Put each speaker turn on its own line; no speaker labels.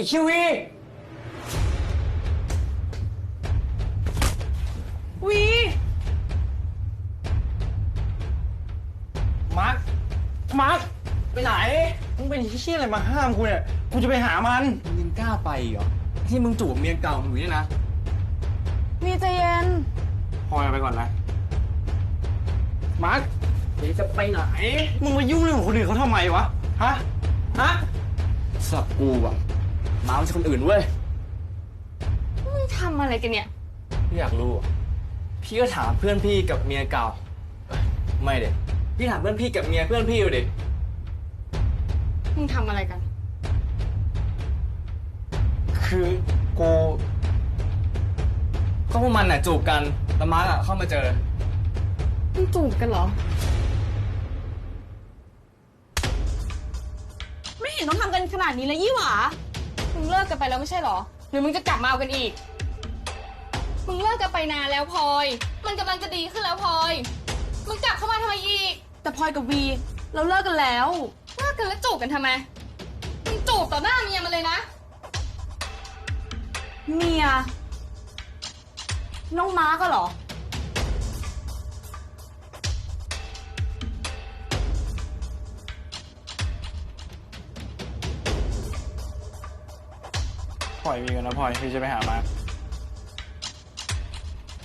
คิวีวีมาร์คไปไหนมึงเป็นเหี้ยอะไรมาห้ามกูเนี่ยกูจะไปหามันมึงยังกล้าไปเหรอที่มึงจูบเมียเก่ามึงเนี่ยนะ
วีใจเย็น
พอยไปก่อนนะมาร์คเดี๋ยวจะไปไหนมึงมายุ่งเรื่องของคนอื่นเขาทำไมวะฮะสับกูอะมาไม่ใช่คนอื่นเว้ย
มึงทำอะไรกันเนี่ย
พี่อยากรู้พี่ก็ถามเพื่อนพี่กับเมียเก่าไม่เด็พี่ถามเพื่อนพี่กับเมียเพื่อนพี่อยู่ดิ
มึงทำอะไรกัน
คือกูก็พวกมันน่ะจูบกันแล้วมาร์คอะเข้ามาเจอ
มึงจูบกันเหรอไม่เห็นต้องทำกันขนาดนี้เลยยี่หว่ามึงเลิกกันไปแล้วไม่ใช่เหรอหรือมึงจะกลับมาเอากันอีกมึงเลิกกันไปนานแล้วพลอยมันกำลังจะดีขึ้นแล้วพลอยมึงกลับเข้ามาทำไมอีกแต่พลอยกับวีเราเลิกกันแล้วเลิกกันแล้วจูบกันทำไมมึงจูบต่อหน้าเมียมันเลยนะเมียน้องม้าก็เหรอ
พลอยมีกันนะพลอยพี่จะไปหามา